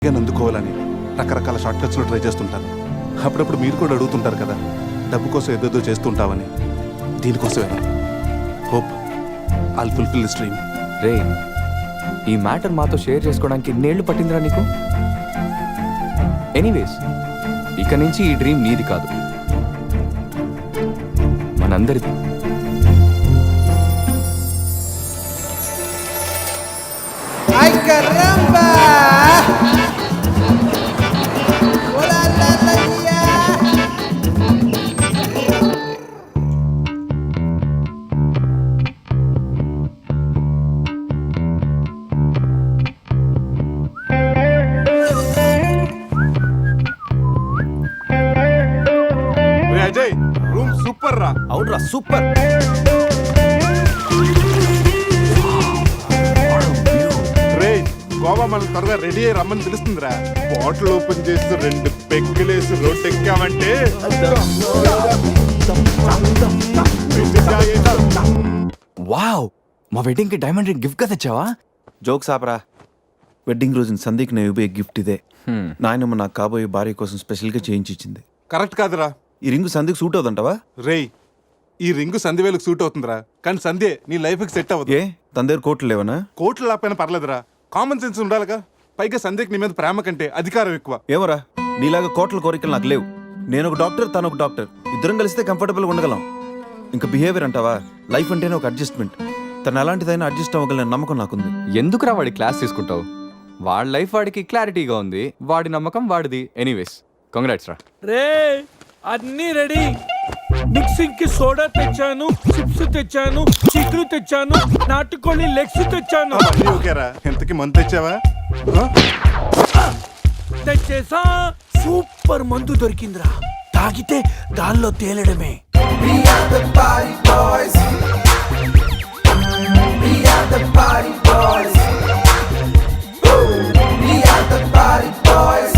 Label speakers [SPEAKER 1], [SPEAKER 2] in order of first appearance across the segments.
[SPEAKER 1] అందుకోవాలని రకరకాల short కట్స్లో try చేస్తుంటాను. అప్పుడప్పుడు మీరు కూడా అడుగుతుంటారు కదా, డబ్బు కోసం ఏదేదో చేస్తుంటావని. దీనికోసమే hope I'll fulfil this dream.
[SPEAKER 2] రే, ఈ మ్యాటర్ మాతో షేర్ చేసుకోవడానికి ఇన్నేళ్లు పట్టిందిరా నీకు. ఎనీవేస్, ఇక నుంచి ఈ డ్రీమ్ నీది కాదు, మనందరిది.
[SPEAKER 3] ¡Ay, caramba! ¡Hola, la, la, ya!
[SPEAKER 1] Ajay, room super రా.
[SPEAKER 2] అవునరా, సూపర్.
[SPEAKER 1] రే, గోవా మనం త్వరగా రెడీ అయ్యి రమ్మని తెలుస్తుందిరా. బాటిల్ ఓపెన్ చేసి 2 పెగ్గులేసి రోడ్ ఎక్కామంటే
[SPEAKER 2] వావ్, మా వెడ్డింగ్ కి డైమండ్ రింగ్ గిఫ్ట్ గా తెచ్చావా?
[SPEAKER 4] జోక్స్ ఆపరా. వెడ్డింగ్ రోజున సందీక్ నేను ఇవ్వే గిఫ్ట్ ఇదే. నాయనమ్మ నాకు కాబోయే భార్య కోసం స్పెషల్గా చేయించి ఇచ్చింది.
[SPEAKER 1] కరెక్ట్ కాదురా.
[SPEAKER 4] ఈ రింగు సందీక్ సూట్ అవుతుంటావా?
[SPEAKER 1] రేయ్, ఈ రింగు సంధ్యవేలకు సూట్ అవుతుందిరా, కానీ సంధ్య నీ లైఫ్కి సెట్ అవ్వదు.
[SPEAKER 4] ఏ తన దగ్గర కోట్లు లేవనా?
[SPEAKER 1] కోట్లు లేకపోయినా పర్లేదురా, కామన్ సెన్స్ ఉండాలిగా. పైగా సంధ్యకి నీ మీద ప్రేమ కంటే అధికారం ఎక్కువ.
[SPEAKER 4] ఏమరా, నీలాగా కోట్ల కోరికలు నాకు లేవు. నేను ఒక డాక్టర్, తను ఒక డాక్టర్. ఇద్దరం కలిస్తే కంఫర్టబుల్గా ఉండగలం. ఇంకా బిహేవియర్ అంటావా? లైఫ్ అంటేనే ఒక అడ్జస్ట్మెంట్. తను ఎలాంటిదైనా అడ్జస్ట్ అవ్వగల నమ్మకం నాకుంది.
[SPEAKER 2] ఎందుకురా వాడి క్లాస్ తీసుకుంటావు? వాడి లైఫ్ వాడికి క్లారిటీగా ఉంది, వాడి నమ్మకం వాడిది. ఎనీవేస్, కంగ్రాట్స్ రా.
[SPEAKER 5] రే, అన్నీ రెడీ. మిక్సింగ్ కి సోడా తెచ్చాను, చిప్స్ తెచ్చాను, చిక్కులు తెచ్చాను, నాటుకోళ్ళి లెగ్స్ తెచ్చాను.
[SPEAKER 1] అన్నీ ఓకేరా. ఎంతకి మంత్ తెచ్చావా?
[SPEAKER 5] తెచ్చేసా. సూపర్ మందు దొరికిందిరా, తాగితే గాల్లో తేలడమే.
[SPEAKER 3] We are the party boys. We are the party boys. We are the party boys.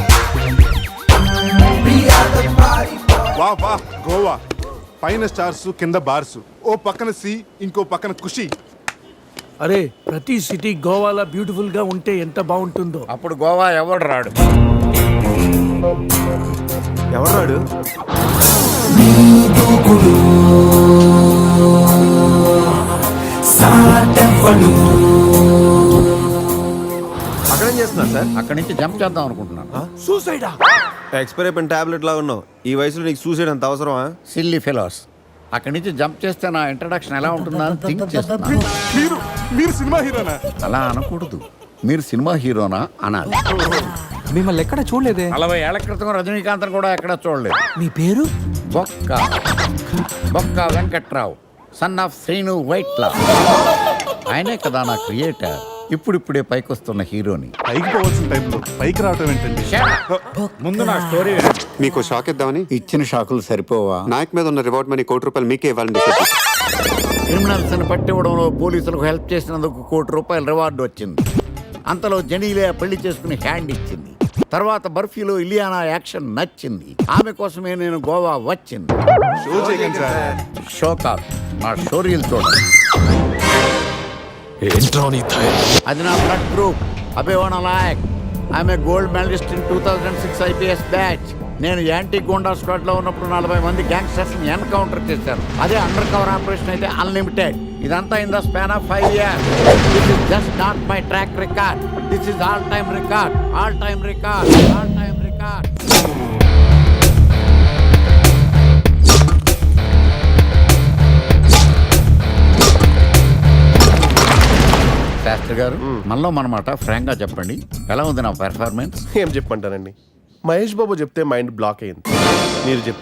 [SPEAKER 3] We are the party boys.
[SPEAKER 1] వా వా, గోవా పైన స్టార్స్, కింద బార్స్. ఓ పక్కన సీ, ఇంకో పక్కన ఖుషి.
[SPEAKER 5] అరే, ప్రతి సిటీ గోవాలో బ్యూటిఫుల్ గా ఉంటే ఎంత బాగుంటుందో.
[SPEAKER 6] అప్పుడు గోవా ఎవడు రాడు.
[SPEAKER 4] ఎవరు రాడు? అక్కడేం చేస్తున్నారు సార్?
[SPEAKER 6] అక్కడి నుంచి జంప్ చేద్దాం అనుకుంటున్నాను.
[SPEAKER 5] సూసైడా?
[SPEAKER 4] ఎక్స్పైర్ అయిపోయిన టాబ్లెట్ లా ఉన్నావు. ఈ వయసులో నీకు సూసైడ్ అంత అవసరమా?
[SPEAKER 6] Silly fellows. అక్కడి నుంచి జంప్ చేస్తే నా ఇంట్రడక్షన్ ఎలా ఉంటుందా అని థింక్ చేస్తున్నాను.
[SPEAKER 1] మీరు మీరు సినిమా హీరోనా?
[SPEAKER 6] అలా అనకూడదు, మీరు సినిమా హీరోనా అనాలి.
[SPEAKER 2] మిమ్మల్ని ఎక్కడ చూడలేదే.
[SPEAKER 6] 40 ఏళ్ల క్రితం రజనీకాంత్ కూడా ఎక్కడ చూడలేదు.
[SPEAKER 5] మీ పేరు?
[SPEAKER 6] బొక్క బొక్క వెంకట్రావు, సన్ ఆఫ్ శ్రీను వైట్లా. ఆయనే కదా నా క్రియేటర్. ఇప్పుడిప్పుడే పైకొస్తున్న హీరోని.
[SPEAKER 1] పైకి పోవాల్సిన టైంలో పైకి రావటం ఏంటండి?
[SPEAKER 6] ముందు నా స్టోరీ
[SPEAKER 7] మీకు షాక్ ఇద్దామని.
[SPEAKER 6] ఇచ్చిన షాకులు సరిపోవా?
[SPEAKER 7] నాయక్ మీద ఉన్న రివార్డ్ మనీ ₹1 మీకే ఇవ్వాలని డిసైడ్.
[SPEAKER 6] క్రిమినల్స్ ని పట్టివ్వడంలో పోలీసులకు హెల్ప్ చేసినందుకు ₹1 రివార్డు వచ్చింది. అంతలో జనీలే పెళ్లి చేసుకుని హ్యాండ్ ఇచ్చింది. తర్వాత బర్ఫీలో ఇలియానా యాక్షన్ నచ్చింది. ఆమె కోసమే నేను గోవా వచ్చింది.
[SPEAKER 1] షో చేయకండి సార్.
[SPEAKER 6] షో కాదు, నా షోరీలు చూడండి. అది నా బ్లడ్ గ్రూప్, అభివాణ నాయక్. ఆమె gold medallist in 2006 IPS batch. నేను యాంటీ గోండా స్క్వాడ్ లో ఉన్నప్పుడు 40 మంది గ్యాంగ్స్టర్స్ ని ఎన్కౌంటర్ చేశారు. అదే అండర్ కవర్ ఆపరేషన్ అయితే అన్లిమిటెడ్. ఇదంతా in the span of 5 years. This is just not my track record. This is all time record. All time record. All time record. Shastri garu, మనలో మనమాట ఫ్రాంక్ గా చెప్పండి, ఎలా ఉంది నా పెర్ఫార్మెన్స్?
[SPEAKER 8] ఏం చెప్పంటానండి, మహేష్ బాబు చెప్తే మైండ్ బ్లాక్ అయింది. మీరు చెప్తే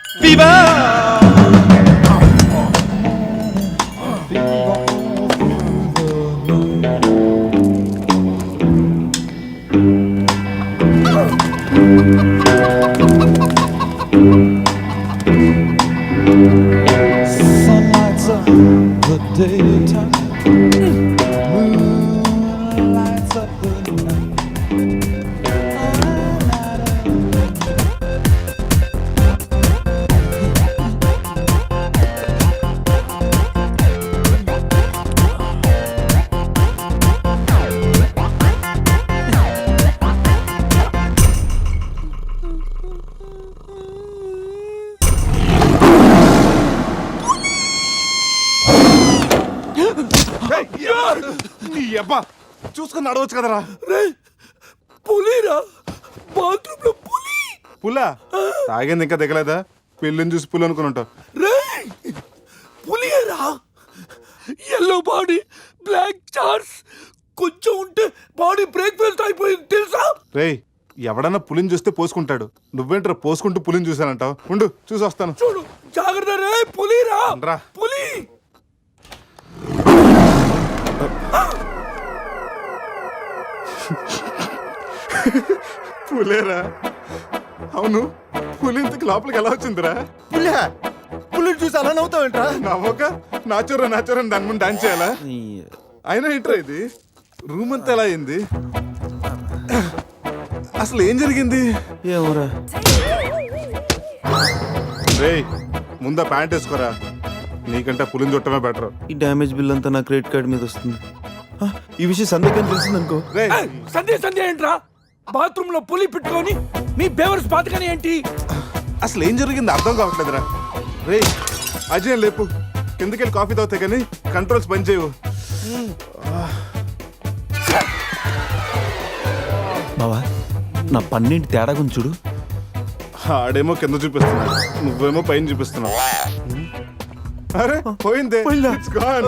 [SPEAKER 1] నీ అబ్బా చూసుకుని నడవచ్చు కదరా.
[SPEAKER 5] పులిరా, బాత్రూమ్ లో పులి.
[SPEAKER 1] పులా తాగింది ఇంకా దిగలేదా? పెళ్ళిని చూసి పులి అనుకుని ఉంటావు.
[SPEAKER 5] రేయ్, పులిరా, ఎల్లో బాడీ, బ్లాక్ చార్స్, కొంచెం ఉంటే బాడీ బ్రేక్ఫాస్ట్ అయిపోయింది తెలుసా?
[SPEAKER 1] రేయ్ ఎవడన్నా పులిని చూస్తే పోసుకుంటాడు, నువ్వేంట్రా పోసుకుంటూ పులిని చూసానంటావు? ఉండు చూసి వస్తాను.
[SPEAKER 5] చూడు జాగ్రత్త రే, పులిరా,
[SPEAKER 1] రా.
[SPEAKER 5] పులి.
[SPEAKER 1] పులేరా? అవును, పులి ఇంతకు లోపలికి ఎలా వచ్చిందిరా?
[SPEAKER 4] పుల్లి చూసి అలా నవ్వుతావేంట్రా?
[SPEAKER 1] నవ్వక నాచూరా నాచూరా దాని ముందు డాన్స్ చేయాలా? అయినా ఏంట్రా ఇది? రూమ్ అంతా ఎలా అయింది? అసలు ఏం జరిగింది?
[SPEAKER 4] ఏమోరా.
[SPEAKER 1] రేయ్ ముందా ప్యాంట్ వేసుకోరా, నీకంటే పులిని చుట్టమే బెటర్.
[SPEAKER 4] ఈ డ్యామేజ్ బిల్ అంతా నా క్రెడిట్ కార్డ్ మీద వస్తుంది. ఆ, ఈ విషయం సందేహం తెలిసిందనుకో.
[SPEAKER 1] రేయ్
[SPEAKER 5] సంధ్య ఏంట్రా? బాత్రూమ్ లో పులి పెట్టుకొని మీ బేవర్స్ బాతకని ఏంటి?
[SPEAKER 1] అసలు ఏం జరిగింది అర్థం కావట్లేదురా. రేయ్ అజయ్ లేపు, కిందకెళ్ళి కాఫీ తాగుతా కానీ కంట్రోల్స్ పని చేయవు.
[SPEAKER 4] బావా నా పన్నెండు తేడా గురించి చూడు.
[SPEAKER 1] ఆడేమో కింద చూపిస్తున్నాడు, నువ్వేమో పైన చూపిస్తున్నావు. అరే పోయిందే, It's gone.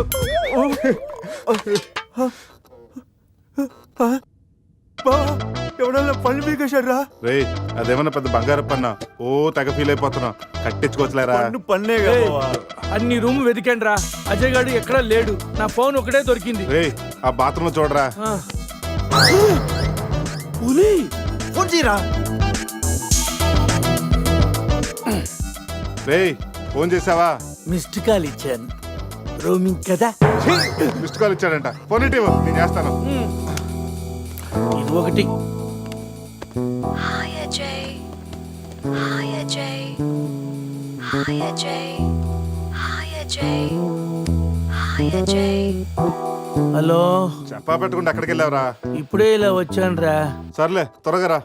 [SPEAKER 4] ఎవడన్నా పళ్ళు పీకేశాడ్రా?
[SPEAKER 1] రేయ్ అదేమన్నా పెద్ద బంగారు పన్నా? ఓ తెగ ఫీల్ అయిపోతున్నావు, కట్టించుకోవచ్చులేరా?
[SPEAKER 4] పన్నే
[SPEAKER 5] అన్ని రూమ్ వెతికాను రా, అజయ్ గాడు ఎక్కడా లేడు. నా ఫోన్ ఒకటే దొరికింది.
[SPEAKER 1] రేయ్ ఆ బాత్రూమ్ లో చూడరా.
[SPEAKER 4] పులి ఫోన్ చేయరా.
[SPEAKER 1] రేయ్ ఫోన్ చేసావా?
[SPEAKER 5] మిస్డ్ కాల్ ఇచ్చాను, రోమింగ్ కదా.
[SPEAKER 1] మిస్డ్ కాల్ ఇచ్చాడంట, ఫోన్ ఇటు ఇవ్వు, నేను చేస్తాను.
[SPEAKER 5] ఇది ఒకటి.
[SPEAKER 9] Hi Ajay. Hi Ajay. Hi Ajay. Hi Ajay. Hi Ajay.
[SPEAKER 5] Hello,
[SPEAKER 1] చెప్పా పెట్టుకుంటే అక్కడికి వెళ్ళావురా?
[SPEAKER 5] ఇప్పుడే ఇలా వచ్చాను రా.
[SPEAKER 1] సర్లే త్వరగా రా.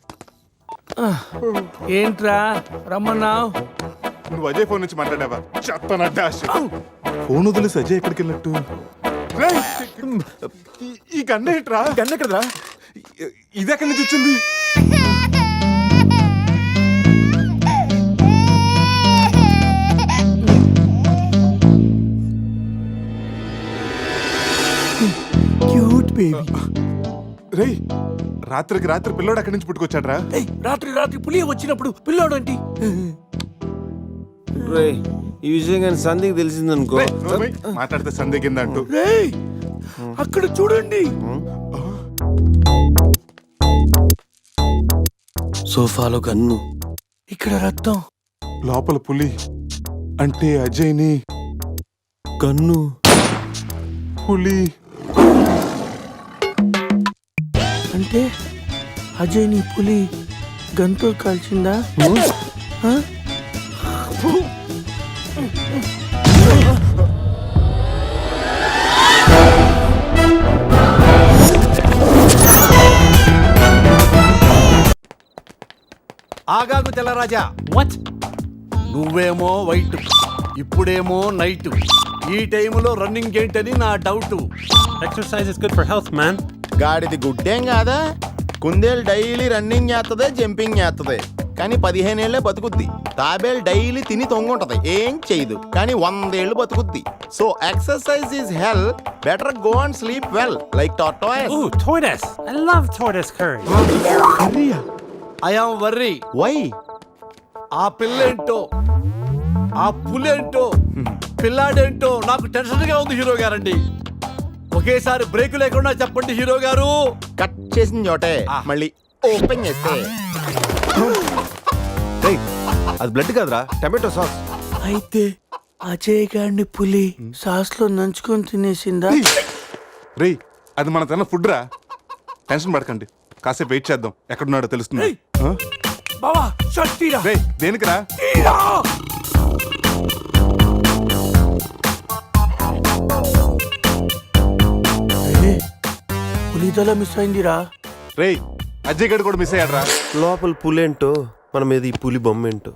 [SPEAKER 5] ఏంట్రా రమ్మన్నావు?
[SPEAKER 1] నువ్వు అజయ్ ఫోన్ నుంచి మాట్లాడావా? చెప్పనట్టు ఫోన్ వదిలేసి అజయ్ ఎక్కడికి వెళ్ళినట్టు? రేయ్, ఈ గన్న ఏంట్రా?
[SPEAKER 4] గన్న కదరా?
[SPEAKER 1] ఇది ఎక్కడి నుంచి వచ్చింది?
[SPEAKER 5] Cute baby.
[SPEAKER 1] రేయ్ రాత్రికి రాత్రి పిల్లోడు అక్కడి నుంచి పుట్టుకొచ్చాడ్రా.
[SPEAKER 5] రాత్రి పులి వచ్చినప్పుడు పిల్లోడు ఏంటి?
[SPEAKER 8] రే ఈ విషయం కానీ సంధికి తెలిసిందనుకో.
[SPEAKER 1] రేయ్, నోర్మై, మాట్లాడితే సందేహిందంటూ.
[SPEAKER 5] రేయ్ అక్కడ చూడండి.
[SPEAKER 8] సోఫాలో గన్ను,
[SPEAKER 5] ఇక్కడ రక్తం.
[SPEAKER 1] లోపల పులి అంటే అజయ్ని
[SPEAKER 8] గన్ను,
[SPEAKER 1] పులి
[SPEAKER 5] అంటే అజయ్ ని పులి గన్తో కాల్చిందా? ఆ?
[SPEAKER 6] ఆగాగు తెల్లరాజా. నువ్వేమో వైట్, ఇప్పుడేమో నైట్. ఈ టైంలో రన్నింగ్ ఏంటని నా doubt.
[SPEAKER 10] Exercise is good for health, man.
[SPEAKER 11] గాడిది గుడ్డేం కాదా? కుందేలు డైలీ రన్నింగ్ చేస్తుంది, జంపింగ్ చేస్తుంది, కానీ 15 ఏళ్లే బతుకుద్ది. తాబేలు డైలీ తిని తొంగుంటది, ఏం చేయదు, కానీ 100 ఏళ్ళు బతుకుద్ది. So exercise is hell, better go and sleep well like tortoise.
[SPEAKER 10] Ooh, tortoise. I love tortoise curry.
[SPEAKER 6] I am worry.
[SPEAKER 11] Why?
[SPEAKER 6] ఆ పిల్లేంటో
[SPEAKER 12] ఆ పులేంటో పిల్లాడేంటో నాకు టెన్షన్ గా ఉంది హీరో గారండి. ఒకేసారి బ్రేక్ లేకుండా చెప్పండి హీరో గారు.
[SPEAKER 11] కట్ చేసిన చోటే మళ్ళీ ఓపెన్ చేస్తే
[SPEAKER 4] రేయ్, అది బ్లడ్ కాదురా, టమాటో సాస్.
[SPEAKER 5] అయితే అజయ్ గారిని పులి సాస్ లో నంచుకొని తినేసిందా?
[SPEAKER 1] రేయ్ అది మన తిన్న ఫుడ్ రా, టెన్షన్ పడకండి, కాసేపు వెయిట్ చేద్దాం, ఎక్కడున్నాడో తెలుస్తుంది.
[SPEAKER 5] ఏయ్! బావా షర్ట్ తీరా.
[SPEAKER 1] రేయ్ దేనికిరా?
[SPEAKER 5] తీరా! ఏ, పులి తల మిస్ అయిందిరా.
[SPEAKER 1] రేయ్ అజయ్ గడ్ కూడా మిస్ అయ్యాడ్రా.
[SPEAKER 8] లోపల పులేంటో మన మీద ఈ పులి బొమ్మ ఏంటో.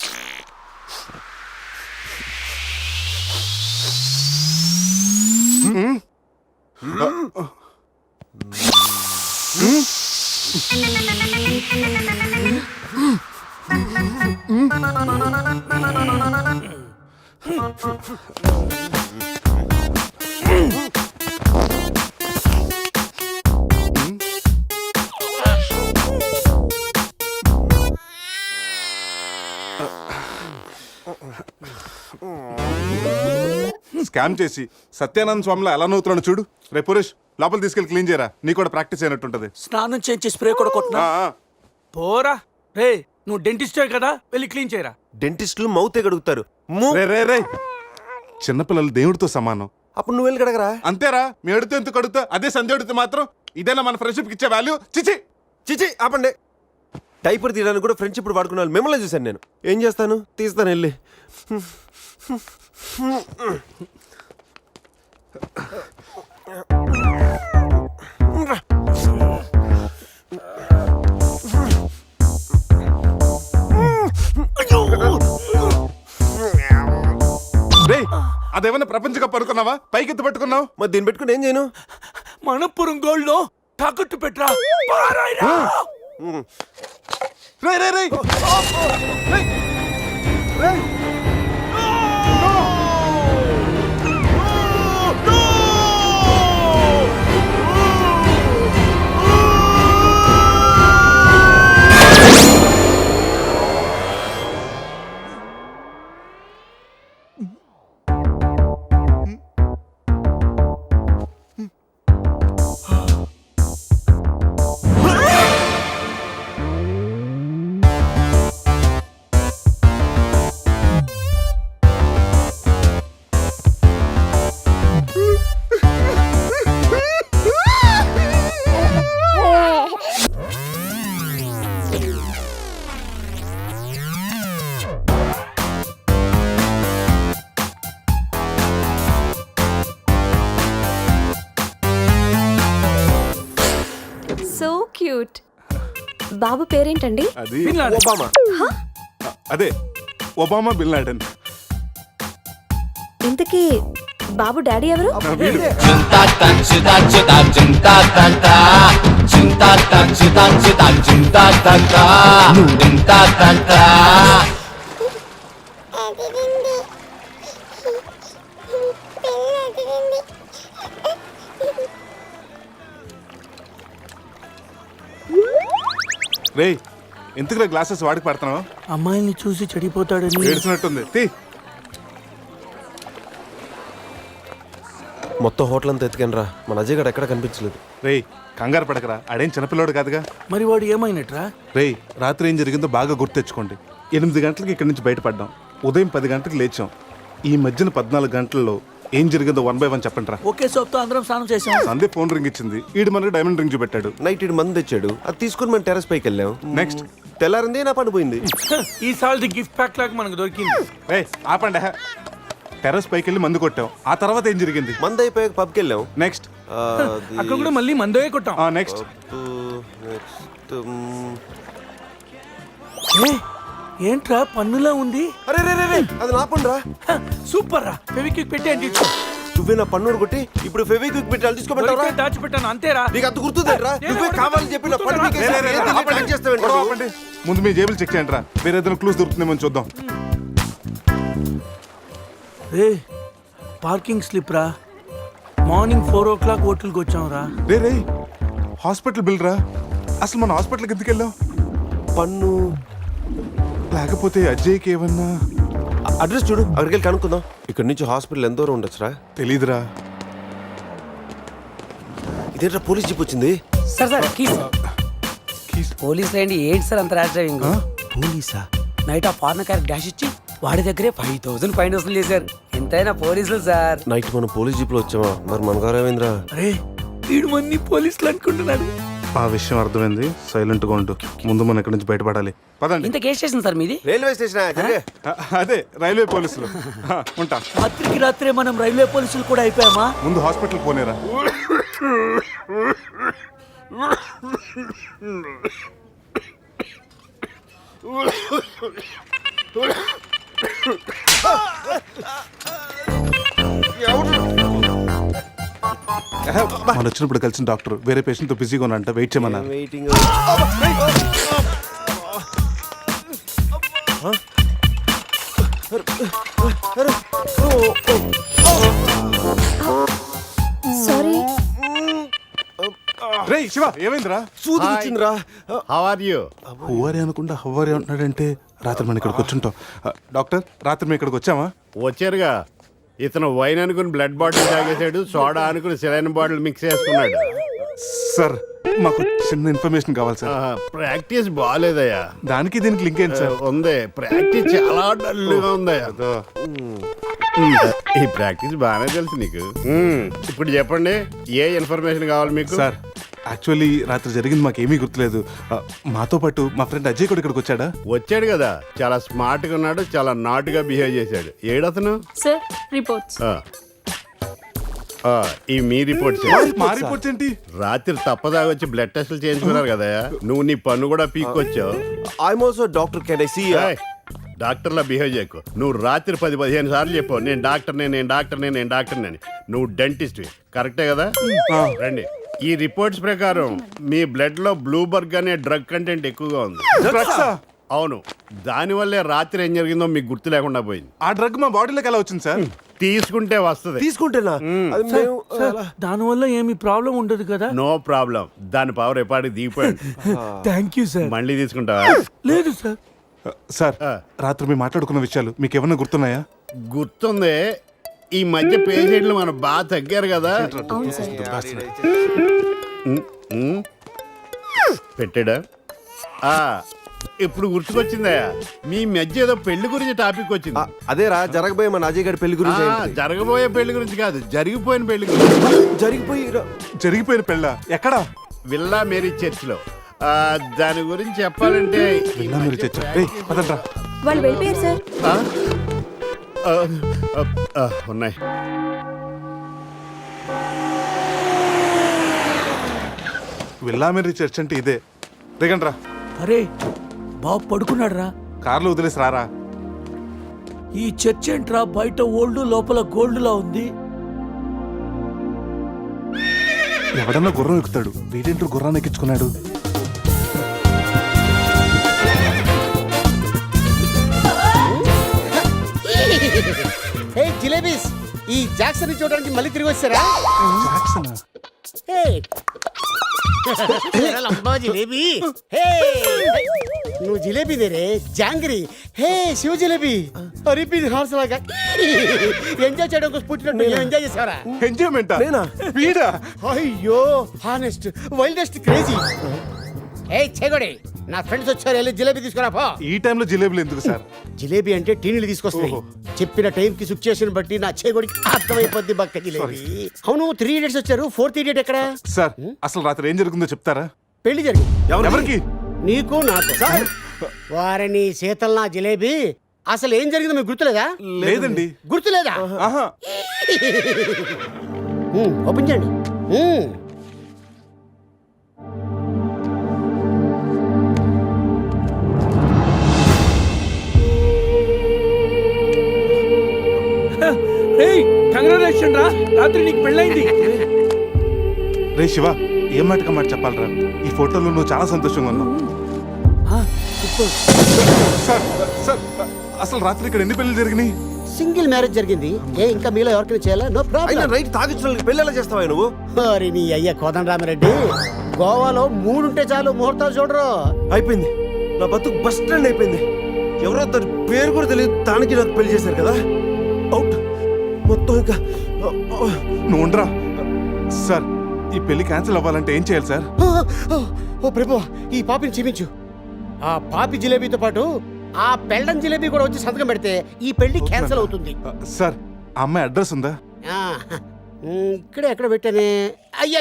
[SPEAKER 1] స్కామ్ చేసి సత్యానంద స్వామిలో ఎలా నవ్వుతున్నాడు చూడు. రే పురేష్ లోపల తీసుకెళ్ళి క్లీన్ చేయరా, నీ కూడా ప్రాక్టీస్ అయినట్టుంటది.
[SPEAKER 5] స్నానం చేయించి స్ప్రే కూడా కొట్టినా పోరా. రే నువ్వు డెంటిస్టే కదా, వెళ్ళి క్లీన్ చేయరా.
[SPEAKER 8] డెంటిస్టులు మౌతే గడుగుతారు.
[SPEAKER 1] రే రే రే చిన్నపిల్లలు దేవుడితో సమానం.
[SPEAKER 8] అప్పుడు నువ్వు వెళ్ళి కడగరా.
[SPEAKER 1] అంతేరా, మీ అడితే ఎందుకు అడుగుతా, అదే సంధ్య అడిగితే మాత్రం ఇదేనా మన ఫ్రెండ్షిప్ ఇచ్చే వాల్యూ? చిచి
[SPEAKER 8] చిచి ఆపండి. డైపర్ తీయడానికి కూడా ఫ్రెండ్షిప్ వాడుకున్నాను, మిమ్మల్ని చూశాను నేను. ఏం చేస్తాను, తీస్తాను వెళ్ళి.
[SPEAKER 1] రే అదేమన్నా ప్రపంచ కప్ అనుకున్నావా, పైకి ఎత్తు పట్టుకున్నావు?
[SPEAKER 8] మరి దీన్ని పెట్టుకుని ఏం చేయను?
[SPEAKER 5] మనపురం గోల్డ్ లో తాకట్టు పెట్టరా. పారాయిరా.
[SPEAKER 1] రే రే రే రే
[SPEAKER 9] సో క్యూట్. బాబు పేరేంటండి?
[SPEAKER 1] అది
[SPEAKER 5] బిన్ లాడెన్.
[SPEAKER 8] ఒబామా.
[SPEAKER 1] అదే ఒబామా బిన్ లాడెన్.
[SPEAKER 9] ఇంతకీ బాబు డాడీ ఎవరు?
[SPEAKER 1] వీడు. రే ఎందుకు గ్లాసెస్ వాడికి పడుతున్నావు?
[SPEAKER 5] అమ్మాయిని చూసి చెడిపోతాడని.
[SPEAKER 1] ఏడ్చినట్టుంది. తీ
[SPEAKER 8] మొత్తం హోటల్ అంతా ఎత్తుకాను రా, మన అజయ్ గడ ఎక్కడ కనిపించలేదు.
[SPEAKER 1] రేయ్ కంగారు పడకరా, ఆడేం చిన్నపిల్లోడు కాదుగా.
[SPEAKER 5] మరి వాడు ఏమైనట్రా?
[SPEAKER 1] రేయ్ రాత్రి ఏం జరిగిందో బాగా గుర్తు తెచ్చుకోండి. 8 గంటలకు ఇక్కడి నుంచి బయటపడ్డాం, ఉదయం 10 గంటలకు లేచాం. ఈ మధ్యన 14 గంటల్లో ఏం జరిగిందో 1 by 1 చెప్పండి రా.
[SPEAKER 5] ఓకే సోప్తో అందరం స్నానం చేసాం.
[SPEAKER 1] సందే ఫోన్ రింగ్ ఇచ్చింది, ఈడు మనకి డైమండ్ రింగ్ చూపెట్టాడు.
[SPEAKER 8] నైట్ ఇటు మంది తెచ్చాడు, అది తీసుకుని మనం టెర్రస్ పైకి వెళ్ళాం.
[SPEAKER 1] నెక్స్ట్
[SPEAKER 8] తెల్లారింది నా పని పోయింది.
[SPEAKER 5] ఈ సాల్ది గిఫ్ట్ ప్యాక్ లాగా మనకు దొరికింది.
[SPEAKER 1] రే ఆపండి. టెర్రస్ పైకి వెళ్ళి మందు కొట్టాం. ఆ తర్వాత ఏం జరిగింది?
[SPEAKER 8] మంది అయిపోయాక పబ్కి వెళ్ళాం.
[SPEAKER 1] నెక్స్ట్
[SPEAKER 5] అక్కడ కూడా మళ్ళీ మందే కొట్టాం.
[SPEAKER 1] నెక్స్ట్
[SPEAKER 5] ఏంట్రా పన్నులా ఉంది?
[SPEAKER 8] అరే రే రే రే, అది నా పని రా.
[SPEAKER 5] సూపర్ రా. ఫెవిక్విక్ పెట్టి అంటే ఇచ్చు.
[SPEAKER 8] నువ్వే నా పన్ను కొట్టి ఇప్పుడు ఫెవిక్విక్ పెట్టాలి, తీసుకోమంటావా?
[SPEAKER 5] దాచిపెట్టాను అంతేరా.
[SPEAKER 8] నీకు అంత గుర్తుందేట్రా? నువ్వే కావాలని చెప్పి నా పన్ను పీకేసి ఏంది నీ ట్రాక్ చేస్తావేంటి నువ్వు?
[SPEAKER 1] ఆపండి. ముందు మీ జేబులు చెక్ చేయండి రా, వేరే ఏదైనా క్లూస్ దొరుకుతుందేమో చూద్దాం.
[SPEAKER 5] రే పార్కింగ్ స్లిప్ రా. మార్నింగ్ 4 o'clock హోటల్కి వచ్చాం రా.
[SPEAKER 1] రే రే హాస్పిటల్ బిల్ రా. అసలు మన హాస్పిటల్కి ఎందుకు వెళ్ళాం?
[SPEAKER 8] పన్ను
[SPEAKER 1] లేకపోతే అజయ్కి ఏమన్నా
[SPEAKER 8] అడ్రస్ చూడు, అక్కడికి వెళ్ళి కనుక్కుందాం. ఇక్కడ నుంచి హాస్పిటల్ ఎంత దూరం ఉండొచ్చురా?
[SPEAKER 1] తెలీదురా.
[SPEAKER 8] ఇదేంట్రా పోలీస్ జీప్ వచ్చింది?
[SPEAKER 5] సార్ పోలీసులు ఏంటి సార్ అంత ర్యాష్ డ్రైవింగ్?
[SPEAKER 8] పోలీసా?
[SPEAKER 5] నైట్ ఆ ఫారెన్ కార్ డాష్ ఇచ్చి వాడి దగ్గరే 5,000 ఫైన్ వసూలు చేశారు. ఎంతైనా పోలీసులు సార్.
[SPEAKER 8] నైట్ మనం పోలీస్ జీప్ లో వచ్చామా? మరి మన గారు ఏమైందిరా?
[SPEAKER 5] అరే వీడు మంది పోలీసులు అనుకుంటున్నాడు.
[SPEAKER 1] ఆ విషయం అర్థమైంది. సైలెంట్ గా ఉంటూ ముందు మనం ఇక్కడి నుంచి బయటపడాలి. పదండి.
[SPEAKER 5] ఇంత కేసు స్టేషన్ సార్ మీది?
[SPEAKER 8] Railway station.
[SPEAKER 1] అదే రైల్వే పోలీసులు. ఉంటా.
[SPEAKER 5] రాత్రికి రాత్రే మనం రైల్వే పోలీసులు కూడా అయిపోయామా?
[SPEAKER 1] ముందు హాస్పిటల్ పోనేరా. మనం వచ్చినప్పుడు కలిసిన డాక్టర్ వేరే పేషెంట్ తో బిజీగా ఉన్నంట. వెయిట్ చేయమన్నారు.
[SPEAKER 8] వెయిటింగ్.
[SPEAKER 9] సారీ.
[SPEAKER 1] రే శివ, ఏమైందిరా?
[SPEAKER 8] సూది వచ్చిందిరా.
[SPEAKER 11] How are you?
[SPEAKER 1] హువారి అనుకుంటా హువారి అంటున్నాడంటే రాత్రి మనం ఇక్కడికి వచ్చుంటాం. డాక్టర్, రాత్రి మేము ఇక్కడికి వచ్చామా?
[SPEAKER 11] వచ్చారుగా. ఇతను వైన్ అనుకుని బ్లడ్ బాటిల్ తాగేశాడు, సోడా అనుకుని సెలైన్ బాటిల్ మిక్స్ చేసుకున్నాడు.
[SPEAKER 1] సార్, మాకు చిన్న ఇన్ఫర్మేషన్ కావాలి సార్.
[SPEAKER 11] ప్రాక్టీస్ బాగాలేదయ్యా.
[SPEAKER 1] దానికి దీనికి లింక్ ఏంటి సార్?
[SPEAKER 11] ఉంది, ప్రాక్టీస్ చాలా డల్గా ఉందయ్యా. ఈ ప్రాక్టీస్ బాగానే తెలుసు నీకు. ఇప్పుడు చెప్పండి, ఏ ఇన్ఫర్మేషన్ కావాలి మీకు?
[SPEAKER 1] సార్, యాక్చువల్లీ రాత్రి జరిగింది మాకేమీ గుర్తులేదు. మాతో పాటు మా ఫ్రెండ్ అజయ్ కూడా ఇక్కడికి వచ్చాడా?
[SPEAKER 11] వచ్చాడు కదా, చాలా స్మార్ట్ గా ఉన్నాడు, చాలా నాటుగా బిహేవ్ చేశాడు. ఏడతను?
[SPEAKER 9] Sir reports.
[SPEAKER 11] ఈ మీ రిపోర్ట్స్.
[SPEAKER 1] మా రిపోర్ట్స్ ఏంటి?
[SPEAKER 11] రాత్రి తప్పదాగా వచ్చి బ్లడ్ టెస్టులు చేయించుకున్నారు కదా, నువ్వు నీ పన్ను కూడా పీక్కొచ్చావు.
[SPEAKER 8] I'm also doctor. Can I see?
[SPEAKER 11] డాక్టర్లా బిహేవ్ చేయకు. నువ్వు రాత్రి 10-15 సార్లు చెప్పావు నేను డాక్టర్నే, నేను డాక్టర్నే, నేను డాక్టర్నే అని. నువ్వు డెంటిస్ట్, కరెక్టే కదా? రండి. ఈ రిపోర్ట్స్ ప్రకారం మీ బ్లడ్ లో బ్లూబర్గ్ అనే డ్రగ్ కంటెంట్ ఎక్కువగా ఉంది. అవును, దానివల్లే రాత్రి ఏం జరిగిందో మీకు గుర్తు లేకుండా పోయింది.
[SPEAKER 1] ఆ డ్రగ్ మా బాడీలోకి ఎలా వచ్చింది సార్?
[SPEAKER 11] తీసుకుంటే వస్తుంది.
[SPEAKER 8] తీసుకుంటేనా?
[SPEAKER 5] దానివల్ల ఏమి ప్రాబ్లం ఉండదు కదా?
[SPEAKER 11] No problem. దాని పవర్ ఎప్పటికి దిగిపోయింది.
[SPEAKER 5] Thank you sir.
[SPEAKER 11] మళ్ళీ తీసుకుంటావా?
[SPEAKER 5] లేదు సార్.
[SPEAKER 1] సార్, రాత్రి మేము మాట్లాడుకున్న విషయాలు మీకు ఏమన్నా గుర్తున్నాయా?
[SPEAKER 11] గుర్తుంది. ఈ మధ్య పేషెంట్లు మనం బాగా తగ్గారు కదా. పెట్టాడా? ఇప్పుడు గుర్తుకొచ్చిందయ్యా, మీ మధ్య ఏదో పెళ్లి గురించి టాపిక్ వచ్చింది.
[SPEAKER 8] అదేరా, జరగబోయే మన అజయ్ గారి పెళ్లి గురించి.
[SPEAKER 11] జరగబోయే పెళ్లి గురించి కాదు, జరిగిపోయిన పెళ్లి గురించి.
[SPEAKER 8] జరిగిపోయిన
[SPEAKER 1] పెళ్ళ ఎక్కడా?
[SPEAKER 11] విల్లా మేరీ చర్చ్ లో. దాని గురించి చెప్పాలంటే
[SPEAKER 9] వాళ్ళు వెళ్ళిపోయారు సార్.
[SPEAKER 11] ఉన్నాయి.
[SPEAKER 1] విల్లామెరీ చర్చ్ అంటే ఇదే. దిగండి రా.
[SPEAKER 5] అరే బాబు పడుకున్నాడు రా.
[SPEAKER 1] కార్లో వదిలేసి రారా.
[SPEAKER 5] ఈ చర్చ్ ఏంట్రా, బయట ఓల్డ్ లోపల గోల్డ్ లా ఉంది.
[SPEAKER 1] ఎవడన్నా గుర్రం ఎక్కుతాడు, వీడేంటో గుర్రాన్ని ఎక్కించుకున్నాడు.
[SPEAKER 12] జిలేబీస్, ఈ జాక్సన్ చూడడానికి మళ్ళీ తిరిగి వచ్చారా? జిలేబీ, నువ్వు జిలేబీ దేరే jangri. Hey Shiva jalebi, repeat horse లాగా ఎంజాయ్ చేయడం కోసం పుట్టినట్టు ఎంజాయ్ చేసావరా?
[SPEAKER 1] ఎంజాయ్మెంట్
[SPEAKER 12] అయ్యో, హానెస్ట్ వైల్డెస్ట్ క్రేజీ. ఏ చెగొడి, నా ఫ్రెండ్స్ వచ్చారు, వెళ్ళి జిలేబీ తీసుకురా పో.
[SPEAKER 1] ఈ టైంలో జిలేబీలు ఎందుకు సార్?
[SPEAKER 12] జిలేబీ అంటే టీనీలు తీసుకొస్తాయి. చెప్పిన టైం కి సిచ్యుయేషన్ బట్టి నా చేగొడికి అర్థమైపోద్ది బక్క జిలేబీ. అవును, 3 idiots వచ్చారు, 4th idiot ఎక్కడ?
[SPEAKER 1] సార్, అసలు రాత్రి ఏం జరుగుతుందో చెప్తారా?
[SPEAKER 12] పెళ్లి జరిగింది.
[SPEAKER 1] ఎవరికి?
[SPEAKER 12] నీకు నాకు. వారిని శీతల్ నా జిలేబీ. అసలు ఏం జరిగిందో మీకు గుర్తులేదా?
[SPEAKER 1] లేదండి.
[SPEAKER 12] గుర్తులేదా? ఓపెన్ చేయండి.
[SPEAKER 5] కంగ్రాచులేషన్ రా, రాత్రి నీకు పెళ్ళైంది.
[SPEAKER 1] రే శివ, ఏం మాటగా మాట చెప్పాలరా? ఈ ఫోటోలో నువ్వు చాలా సంతోషంగా ఉన్నావు. సార్, సార్, అసలు రాత్రి ఇక్కడ ఎన్ని పెళ్లి జరిగినాయి?
[SPEAKER 12] సింగిల్ మ్యారేజ్ జరిగింది. ఏ ఇంకా మీలో ఎవరికైనా చేయాలా? No problem.
[SPEAKER 8] రైట్, తాగించిన పెళ్లి ఎలా చేస్తావా నువ్వు?
[SPEAKER 12] మరి నీ అయ్య కోదండరామిరెడ్డి, గోవాలో 3 ఉంటే చాలు, ముహూర్తాలు చూడరు.
[SPEAKER 8] అయిపోయింది, నా బతుకు బస్ స్టాండ్ అయిపోయింది. ఎవరో తన పేరు కూడా తెలియదు దానికి నాకు పెళ్లి చేశారు కదా అవుట్ మొత్తం ఇంకా
[SPEAKER 1] నువ్వు ఉండరా సార్ ఈ పెళ్లి క్యాన్సిల్ అవ్వాలంటే ఏం చేయాలి సార్?
[SPEAKER 12] ఓ ప్రభు ఈ పాపిని చూపించు ఆ పాపి జిలేబీతో పాటు ఆ పెళ్ళం జిలేబీ కూడా వచ్చి సంతకం పెడితే ఈ పెళ్లి క్యాన్సిల్ అవుతుంది.
[SPEAKER 1] సార్ ఆ అమ్మాయి అడ్రస్ ఉందా?
[SPEAKER 12] ఇక్కడే ఎక్కడ పెట్టానే అయ్యా